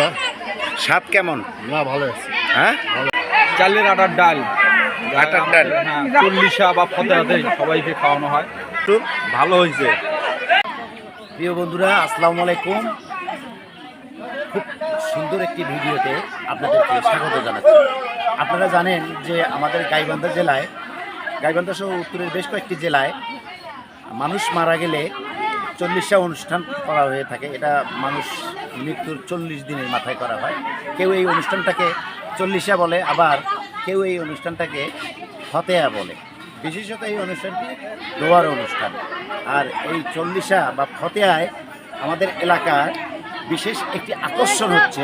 স্বাদ কেমন? না ভালো আছে। হ্যাঁ, চালের আটার ডাল, আটার ডাল চল্লিশা বা ফতেহাতে সবাইকে খাওয়ানো হয়। একটু ভালো হয়েছে। প্রিয় বন্ধুরা, আসসালামু আলাইকুম। খুব সুন্দর একটি ভিডিওতে আপনাদেরকে স্বাগত জানাচ্ছি। আপনারা জানেন যে আমাদের গাইবান্ধা জেলায়, গাইবান্ধা সহ উত্তরের বেশ কয়েকটি জেলায় মানুষ মারা গেলে 40টা অনুষ্ঠান করা হয়ে থাকে। এটা মানুষ মৃত্যুর 40 দিনের মাথায় করা হয়। কেউ এই অনুষ্ঠানটাকে 40শা বলে, আবার কেউ এই অনুষ্ঠানটাকে ফতেহা বলে। বিশেষত এই অনুষ্ঠানটি দোয়ার অনুষ্ঠান। আর এই 40শা বা ফতেহায় আমাদের এলাকার বিশেষ একটি আকর্ষণ হচ্ছে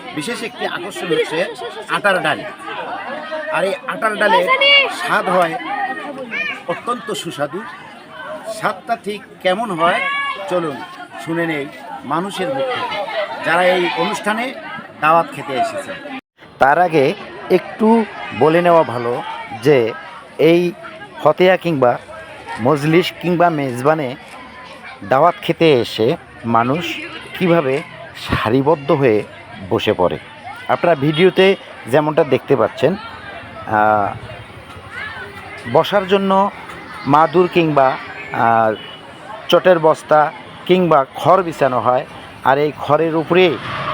আটার ডাল। আর এই আটার ডালের স্বাদ হয় অত্যন্ত সুস্বাদু। স্বাদটা ঠিক কেমন হয় চলুন শুনে নেই মানুষের মুখ থেকে, যারা এই অনুষ্ঠানে দাওয়াত খেতে এসেছে। তার আগে একটু বলে নেওয়া ভালো যে এই ফতেহা কিংবা মজলিস কিংবা মেজবানে দাওয়াত খেতে এসে মানুষ কিভাবে সারিবদ্ধ হয়ে বসে পড়ে। আপনারা ভিডিওতে যেমনটা দেখতে পাচ্ছেন, বসার জন্য মাদুর কিংবা চটের বস্তা কিংবা খড় বিছানো হয়। আর এই খড়ের উপরে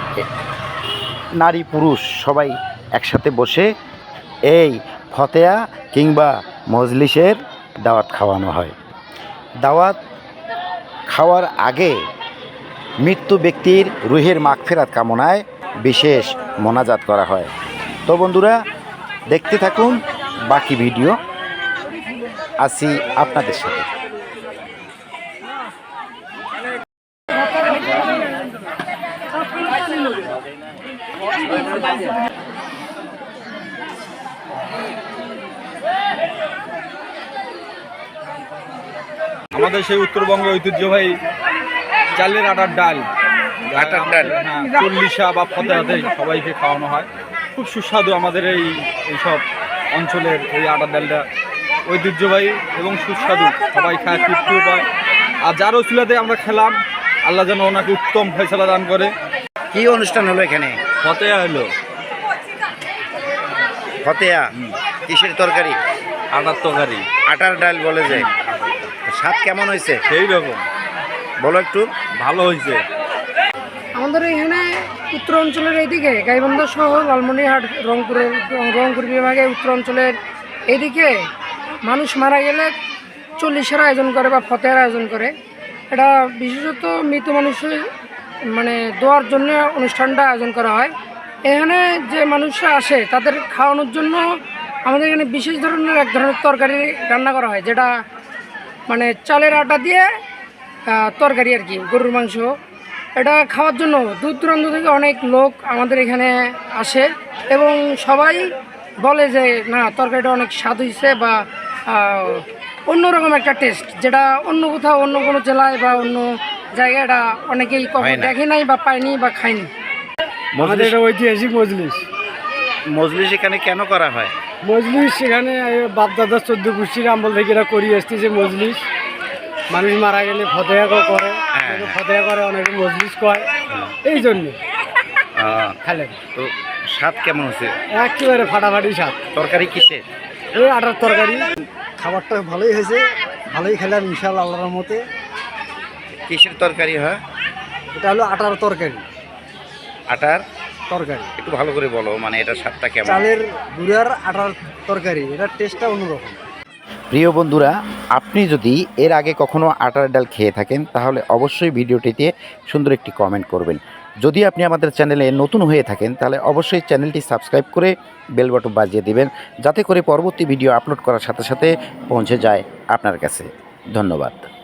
নারী পুরুষ সবাই একসাথে বসে এই ফতেহা কিংবা মজলিসের দাওয়াত খাওয়ানো হয়। দাওয়াত খাওয়ার আগে মৃত্যু ব্যক্তির রুহের মাগফিরাত কামনায় বিশেষ মোনাজাত করা হয়। তো বন্ধুরা, দেখতে থাকুন বাকি ভিডিও। আসি আপনাদের সাথে। আমাদের সেই উত্তরবঙ্গের ঐতিহ্যবাহী চালের আটার ডাল, চল্লিশা বা ফতেহাতে সবাইকে খাওয়ানো হয়। খুব সুস্বাদু আমাদের এইসব অঞ্চলের এই আটার ডালটা ঐতিহ্যবাহী এবং সুস্বাদু। সবাই খায়, তৃপ্তিও পায়। আর যার ওসিলাতে আমরা খেলাম, আল্লাহ যেন ওনাকে উত্তম ফয়সালা দান করে। কি অনুষ্ঠান হলো এখানে? ফতেহা হলো। ফতেহা কিসের তরকারি? আটার তরকারি, আটার ডাল বলে যে। স্বাদ কেমন হয়েছে? সেই রকম। বলো একটু। ভালো হয়েছে। আমাদের এখানে উত্তর অঞ্চলের এইদিকে গাইবান্ধা সহ লালমনিরহাট, রংপুর বিভাগে উত্তর অঞ্চলের এইদিকে মানুষ মারা গেলে 40শার আয়োজন করে বা ফতেহার আয়োজন করে। এটা বিশেষত মৃত মানুষের দোয়ার জন্য অনুষ্ঠানটা আয়োজন করা হয়। এখানে যে মানুষরা আসে তাদের খাওয়ানোর জন্য আমাদের এখানে বিশেষ ধরনের এক ধরনের তরকারি রান্না করা হয়, যেটা চালের আটা দিয়ে তরকারি আর কি, গরুর মাংস। এটা খাওয়ার জন্য দূর দূরান্ত থেকে অনেক লোক আমাদের এখানে আসে এবং সবাই বলে যে না, তরকারিটা অনেক স্বাদ হয়েছে বা অন্যরকম একটা টেস্ট, যেটা অন্য কোথাও অন্য কোনো জেলায় বা অন্য জায়গায় এটা অনেকেই কখনো দেখে নাই বা পায়নি বা খায়নি। আমাদের এটা ঐতিহাসিক মজলিস। মজলিস এখানে কেন করা হয়? মজলিস এখানে বাপদাদা 14 গোষ্ঠীর আমল থেকে এটা করিয়ে আসতেছে। মজলিস মানুষ মারা গেলে ফতেহা করে, ফতেহা করে, অনেকে মজলিস কয়। এই জন্য খেলেন। তো স্বাদ কেমন হচ্ছে? একেবারে ফাটাফাটি স্বাদ। তরকারি কিসের? এই আটার তরকারি। খাবারটা ভালোই হয়েছে, ভালোই খেলাম ইনশাআল্লাহ আল্লাহর রহমতে। কিসের তরকারি হয়? এটা হলো আটার তরকারি। আটার তরকারি একটু ভালো করে বলো, এটা স্বাদটা কেমন? চালের গুঁড়ার আটার তরকারি, এটার টেস্টটা অন্যরকম। প্রিয় বন্ধুরা, আপনি যদি এর আগে কখনো আটার ডাল খেয়ে থাকেন তাহলে অবশ্যই ভিডিওটিতে সুন্দর একটি কমেন্ট করবেন। যদি আপনি আমাদের চ্যানেলে নতুন হয়ে থাকেন তাহলে অবশ্যই চ্যানেলটি সাবস্ক্রাইব করে বেল বাটন বাজিয়ে দিবেন, যাতে করে পরবর্তী ভিডিও আপলোড করার সাথে সাথে পৌঁছে যায় আপনার কাছে। ধন্যবাদ।